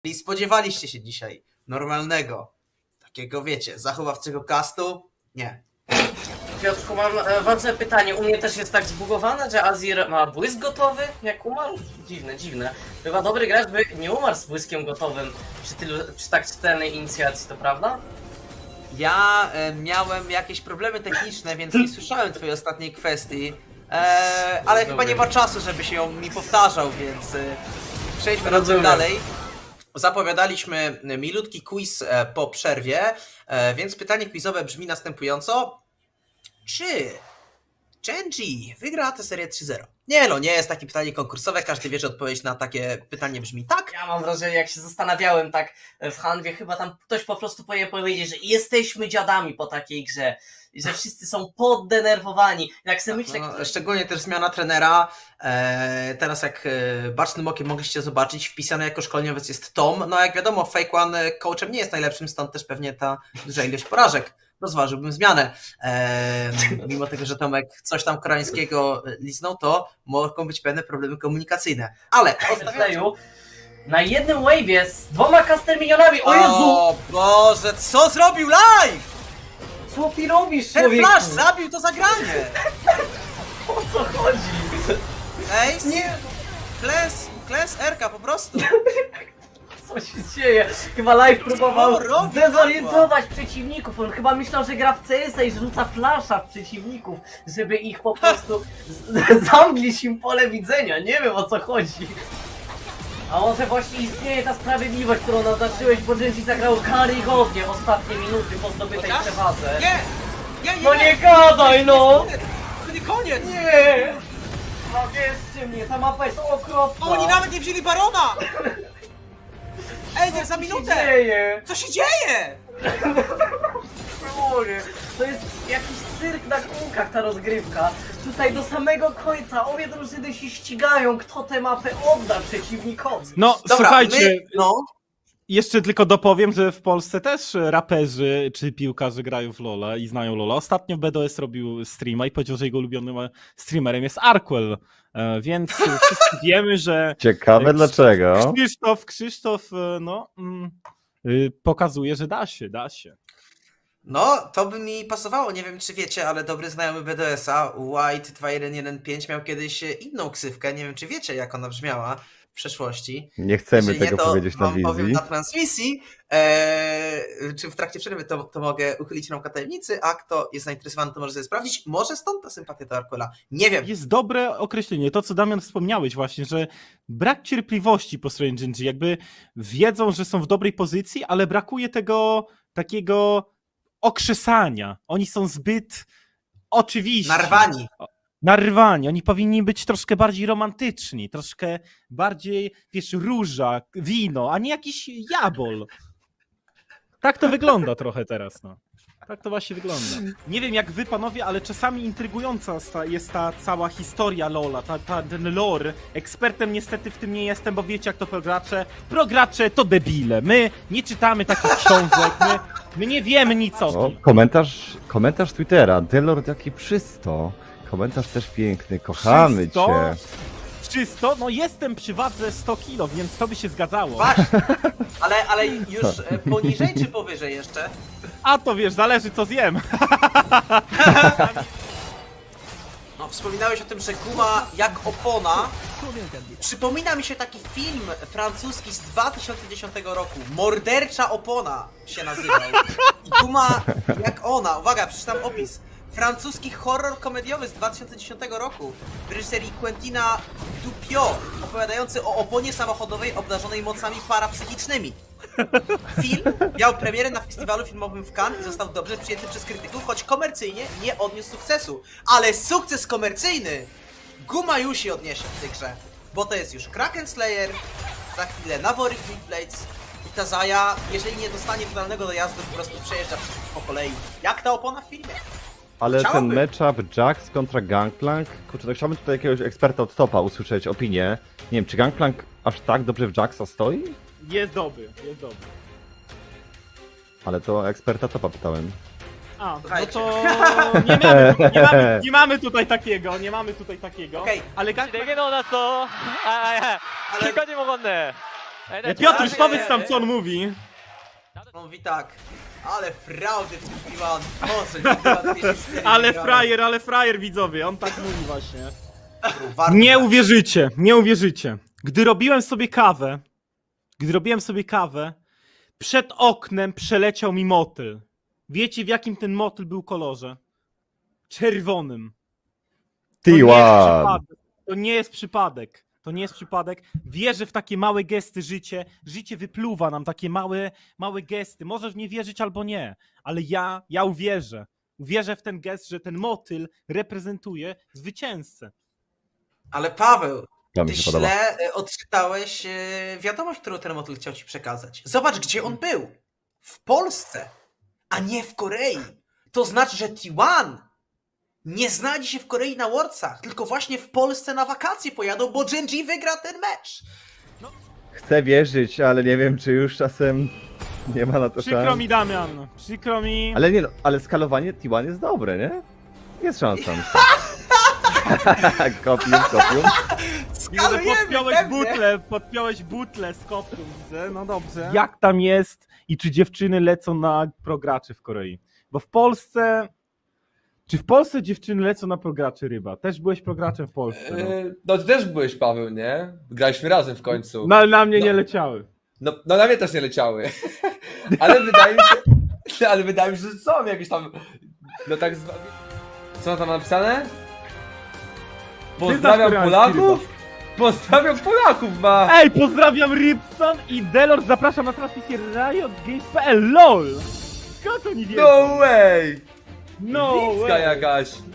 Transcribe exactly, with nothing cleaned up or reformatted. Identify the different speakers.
Speaker 1: I spodziewaliście się dzisiaj normalnego, takiego wiecie, zachowawczego castu? Nie.
Speaker 2: Piotrku, mam e, ważne pytanie. U mnie też jest tak zbugowane, że Azir ma błysk gotowy, jak umarł? Dziwne, dziwne. Chyba dobry gracz by nie umarł z błyskiem gotowym przy, tylu, przy tak czytelnej inicjacji, to prawda?
Speaker 1: Ja e, miałem jakieś problemy techniczne, więc nie słyszałem twojej ostatniej kwestii, e, ale chyba nie ma czasu, żeby się ją mi powtarzał, więc e, przejdźmy na tym dalej. Zapowiadaliśmy milutki quiz e, po przerwie, e, więc pytanie quizowe brzmi następująco. Czy Genji wygra tę serię trzy zero? Nie no, nie jest takie pytanie konkursowe, każdy wie, że odpowiedź na takie pytanie brzmi tak.
Speaker 2: Ja mam wrażenie, jak się zastanawiałem tak w Hanwie, chyba tam ktoś po prostu powinien powiedzieć, że jesteśmy dziadami po takiej grze. I że wszyscy są poddenerwowani. Jak sobie myślę,
Speaker 1: No,
Speaker 2: kto...
Speaker 1: szczególnie też zmiana trenera. E, teraz jak e, bacznym okiem mogliście zobaczyć, wpisany jako szkoleniowiec jest Tom. No jak wiadomo, Fake One coachem nie jest najlepszym, stąd też pewnie ta duża ilość porażek. Rozważyłbym zmianę. E, mimo tego, że Tomek coś tam koreańskiego liznął, to mogą być pewne problemy komunikacyjne. Ale
Speaker 2: Odstawiam. Na jednym wave'ie z dwoma caster milionami. O Jezu!
Speaker 1: O Boże, co zrobił live?
Speaker 2: Co ty robisz,
Speaker 1: Ten
Speaker 2: człowieku?
Speaker 1: flash zabił to zagranie!
Speaker 2: O co chodzi?
Speaker 1: Ej,
Speaker 2: Nie,
Speaker 1: Kles, Kles Erka po prostu.
Speaker 2: co się dzieje? Chyba live próbował
Speaker 1: Co robi
Speaker 2: zdezorientować przeciwników. On chyba myślał, że gra w C S a i że rzuca flasha w przeciwników, żeby ich po prostu z- zamglić im pole widzenia. Nie wiem, o co chodzi. A może właśnie istnieje ta sprawiedliwość, którą naznaczyłeś, bo Genji zagrał karygodnie ostatnie minuty po zdobytej
Speaker 1: Chociaż?
Speaker 2: przewadze.
Speaker 1: Nie! Nie, nie,
Speaker 2: No nie gadaj, no!
Speaker 1: To nie koniec!
Speaker 2: Nie! No wierzcie mnie, ta mapa jest okropna!
Speaker 1: Oni nawet nie wzięli Barona! Ej, nie, za
Speaker 2: Co się
Speaker 1: minutę!
Speaker 2: dzieje?
Speaker 1: Co się dzieje?
Speaker 2: Kurde, to jest jakiś cyrk na kółkach ta rozgrywka. Tutaj do samego końca obie drużyny się ścigają, kto tę mapę odda przeciwnikowi.
Speaker 3: No,
Speaker 1: Dobra,
Speaker 3: słuchajcie,
Speaker 1: my, no,
Speaker 3: jeszcze tylko dopowiem, że w Polsce też raperzy czy piłkarze grają w LoL'a i znają LoL'a. Ostatnio B D S robił streama i powiedział, że jego ulubionym streamerem jest Arkwell, e, więc wszyscy wiemy, że
Speaker 4: Ciekawe dlaczego.
Speaker 3: Krzysztof, Krzysztof, e, no, mm, y, pokazuje, że da się, da się.
Speaker 1: no, to by mi pasowało. Nie wiem, czy wiecie, ale dobry znajomy B D S a, White dwa jeden jeden pięć, miał kiedyś inną ksywkę. Nie wiem, czy wiecie, jak ona brzmiała w przeszłości.
Speaker 4: Nie chcemy
Speaker 1: Jeżeli
Speaker 4: tego
Speaker 1: nie, to
Speaker 4: powiedzieć na
Speaker 1: wam powiem
Speaker 4: wizji.
Speaker 1: na transmisji, eee, czy w trakcie przerwy, to, to mogę uchylić nam tajemnicy, a kto jest zainteresowany, to może sobie sprawdzić. Może stąd ta sympatia do Arkwella. Nie wiem.
Speaker 3: Jest dobre określenie, to co Damian wspomniałeś właśnie, że brak cierpliwości po stronie Genji, jakby wiedzą, że są w dobrej pozycji, ale brakuje tego takiego okrzesania. Oni są zbyt oczywiści.
Speaker 1: Narwani.
Speaker 3: Narwani. Oni powinni być troszkę bardziej romantyczni, troszkę bardziej, wiesz, róża, wino, a nie jakiś jabol. Tak to wygląda trochę teraz, no. Tak to właśnie wygląda. Nie wiem jak wy panowie, ale czasami intrygująca sta- jest ta cała historia LoL'a, ta, ta, ten lore. Ekspertem niestety w tym nie jestem, bo wiecie jak to progracze. Progracze to debile. My nie czytamy takich książek, my, my nie wiemy nic o
Speaker 4: O,
Speaker 3: tym.
Speaker 4: komentarz, komentarz Twittera. Delord jaki przysto. Komentarz też piękny. Kochamy
Speaker 3: Czysto?
Speaker 4: cię.
Speaker 3: Czysto? No jestem przy wadze sto kilo, więc to by się zgadzało.
Speaker 1: Właśnie. Ale, ale już e, poniżej czy powyżej jeszcze?
Speaker 3: A to wiesz, zależy co zjem.
Speaker 1: No, wspominałeś o tym, że guma jak opona. Przypomina mi się taki film francuski z dwa tysiące dziesiątego roku. Mordercza opona się nazywał. I guma jak ona. Uwaga, przeczytam opis. Francuski horror komediowy z dwa tysiące dziesiątego roku w reżyserii Quentina Dupieux, opowiadający o oponie samochodowej obdarzonej mocami parapsychicznymi. Film miał premierę na festiwalu filmowym w Cannes i został dobrze przyjęty przez krytyków, choć komercyjnie nie odniósł sukcesu. Ale sukces komercyjny guma już się odniesie w tej grze, bo to jest już Kraken Slayer, za chwilę Navori Blades i ta Zaya, jeżeli nie dostanie finalnego dojazdu, po prostu przejeżdża po kolei. Jak ta opona w filmie?
Speaker 4: Ale
Speaker 1: Chciałbym.
Speaker 4: ten matchup Jax kontra Gangplank, kurczę, to chciałbym tutaj jakiegoś eksperta od topa usłyszeć opinię. Nie wiem, czy Gangplank aż tak dobrze w Jaxa stoi?
Speaker 3: Jest dobry, jest dobry.
Speaker 4: Ale to eksperta topa pytałem.
Speaker 3: A, no
Speaker 1: Słuchajcie.
Speaker 3: to nie mamy, nie, mamy, nie mamy tutaj takiego, nie mamy tutaj takiego.
Speaker 1: Okej.
Speaker 3: Ale Gang...
Speaker 5: レゲのだと、あ、はいはい。
Speaker 1: Ale-
Speaker 5: 結果にもこんね。
Speaker 3: Piotruś, powiedz tam, co on mówi.
Speaker 1: On mówi tak, ale fraudy w tym T jeden. Boże,
Speaker 3: Ale frajer, ale frajer, widzowie, on tak mówi właśnie.
Speaker 1: Warto
Speaker 3: Nie
Speaker 1: tak.
Speaker 3: uwierzycie, nie uwierzycie. Gdy robiłem sobie kawę, gdy robiłem sobie kawę, przed oknem przeleciał mi motyl. Wiecie, w jakim ten motyl był kolorze? Czerwonym. To
Speaker 4: T
Speaker 3: nie jest
Speaker 4: jeden.
Speaker 3: przypadek. To nie jest przypadek. To nie jest przypadek. Wierzę w takie małe gesty życie. Życie wypluwa nam takie małe, małe gesty. Możesz w nie wierzyć albo nie, ale ja, ja uwierzę. Uwierzę w ten gest, że ten motyl reprezentuje zwycięzcę.
Speaker 1: Ale Paweł,
Speaker 4: To
Speaker 1: ty
Speaker 4: mi się podoba.
Speaker 1: źle e, odczytałeś e, wiadomość, którą ten motyl chciał ci przekazać. Zobacz, gdzie on był. W Polsce, a nie w Korei. To znaczy, że T jeden nie znajdzie się w Korei na Worldsach, tylko właśnie w Polsce na wakacje pojadą, bo Gen.G wygra ten mecz.
Speaker 4: Chcę wierzyć, ale nie wiem, czy już czasem nie ma na to
Speaker 3: Przykro
Speaker 4: szans.
Speaker 3: mi, Damian. Przykro mi.
Speaker 4: Ale nie no, ale skalowanie T jeden jest dobre, nie? Jest szansa. Kopium, kopium.
Speaker 1: Skalujemy,
Speaker 3: Podpiąłeś
Speaker 1: pewnie.
Speaker 3: butlę, podpiąłeś butlę z kopką, widzę, no dobrze. Jak tam jest i czy dziewczyny lecą na prograczy w Korei? Bo w Polsce... Czy w Polsce dziewczyny lecą na prograczy, Ryba? Też byłeś prograczem w Polsce. No,
Speaker 5: Yy, No ty też byłeś, Paweł, nie? Graliśmy razem w końcu.
Speaker 3: no ale na mnie
Speaker 5: No.
Speaker 3: nie leciały.
Speaker 5: No, no na mnie też nie leciały. Ale wydaje mi się, ale wydaje mi się, że są jakieś tam, no tak zwane... Co tam napisane? Pozdrawiam
Speaker 3: koreański,
Speaker 5: Polaków? Pozdrawiam Polaków, ma!
Speaker 3: Ej, pozdrawiam Rybson i Delors, zapraszam na transmisję Riot Games kropka p l, LOL! Skąd oni wiedzą?
Speaker 5: No way!
Speaker 3: No
Speaker 5: Wicka
Speaker 3: way.
Speaker 5: jakaś.